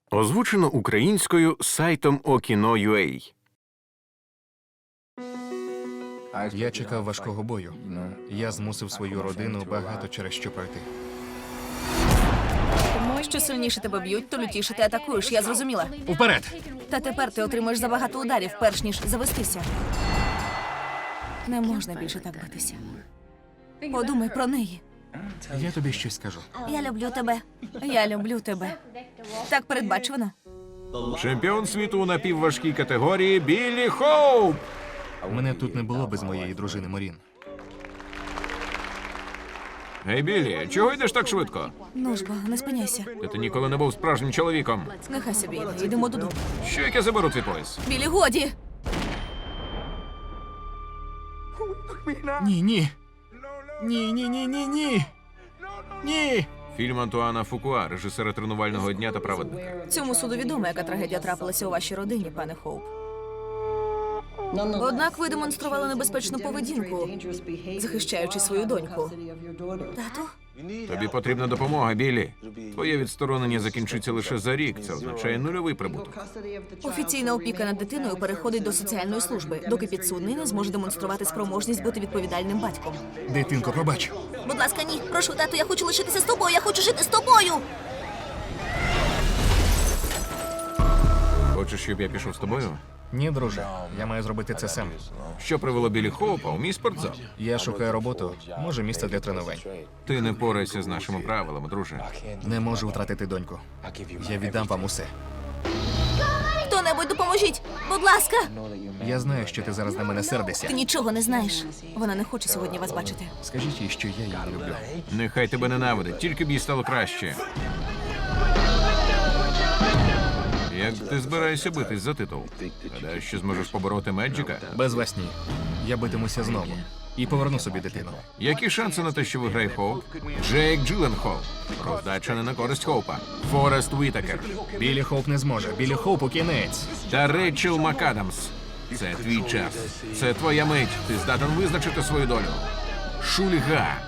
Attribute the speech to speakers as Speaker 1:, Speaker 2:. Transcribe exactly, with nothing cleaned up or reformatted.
Speaker 1: Озвучено українською сайтом Okino.ua.
Speaker 2: Я чекав важкого бою. Я змусив свою родину багато через що пройти.
Speaker 3: Що сильніше тебе б'ють, то лютіше ти атакуєш, я зрозуміла.
Speaker 2: Уперед!
Speaker 3: Та тепер ти отримаєш забагато ударів, перш ніж завестися. Не можна більше так битися. Подумай про неї.
Speaker 2: Я тобі щось скажу.
Speaker 3: Я люблю тебе. Я люблю тебе. Так передбачувано.
Speaker 1: Чемпіон світу у напівважкій категорії Біллі Хоуп!
Speaker 2: Мене тут не було без моєї дружини Морін.
Speaker 1: Гей, Біллі, чого йдеш так швидко?
Speaker 3: Ну ж бо, не спиняйся.
Speaker 1: Та ти ніколи не був справжнім чоловіком.
Speaker 3: Нехай собі йде. Йдемо додому.
Speaker 1: Що, як я заберу цей пояс?
Speaker 3: Білі, годі!
Speaker 2: Ні, ні. Ні, ні, ні, ні, ні. Ні.
Speaker 1: Фільм Антуана Фукуа, режисера «Тренувального дня» та «Праведника».
Speaker 3: Цьому суду відомо, яка трагедія трапилася у вашій родині, пане Хоуп. Однак ви демонстрували небезпечну поведінку, захищаючи свою доньку. Тату?
Speaker 1: Тобі потрібна допомога, Біллі. Твоє відсторонення закінчиться лише за рік. Це означає нульовий прибуток.
Speaker 3: Офіційна опіка над дитиною переходить до соціальної служби, доки підсудний не зможе демонструвати спроможність бути відповідальним батьком.
Speaker 2: Дитинко, пробач.
Speaker 3: Будь ласка, ні. Прошу, тату, я хочу лишитися з тобою, я хочу жити з тобою!
Speaker 1: Хочеш, щоб я пішов з тобою?
Speaker 2: Ні, друже. Я маю зробити це сам.
Speaker 1: Що привело Біллі Хоупа у мій спортзал?
Speaker 2: Я шукаю роботу, може, місце для тренувань.
Speaker 1: Ти не впораєшся з нашими правилами, друже.
Speaker 2: Не можу втратити доньку. Я віддам вам усе.
Speaker 3: Хто-небудь допоможіть! Будь ласка!
Speaker 2: Я знаю, що ти зараз на мене
Speaker 3: Ти
Speaker 2: сердишся.
Speaker 3: нічого не знаєш. Вона не хоче сьогодні вас бачити.
Speaker 2: Скажіть їй, що я її люблю.
Speaker 1: Нехай тебе ненавидить, тільки б їй стало краще. Як ти збираєшся битись за титул? Гадаєш, що зможеш побороти Меджика?
Speaker 2: Без вас ні. Я битимуся знову. І поверну собі дитину.
Speaker 1: Які шанси на те, що виграє Хоуп? Джейк Джилленхол. Роздача не на користь Хоупа. Форест Уітакер.
Speaker 2: Біллі Хоуп не зможе. Біллі Хоупу кінець.
Speaker 1: Та Рейчел МакАдамс. Це твій час. Це твоя мить. Ти здатен визначити свою долю. Шульга.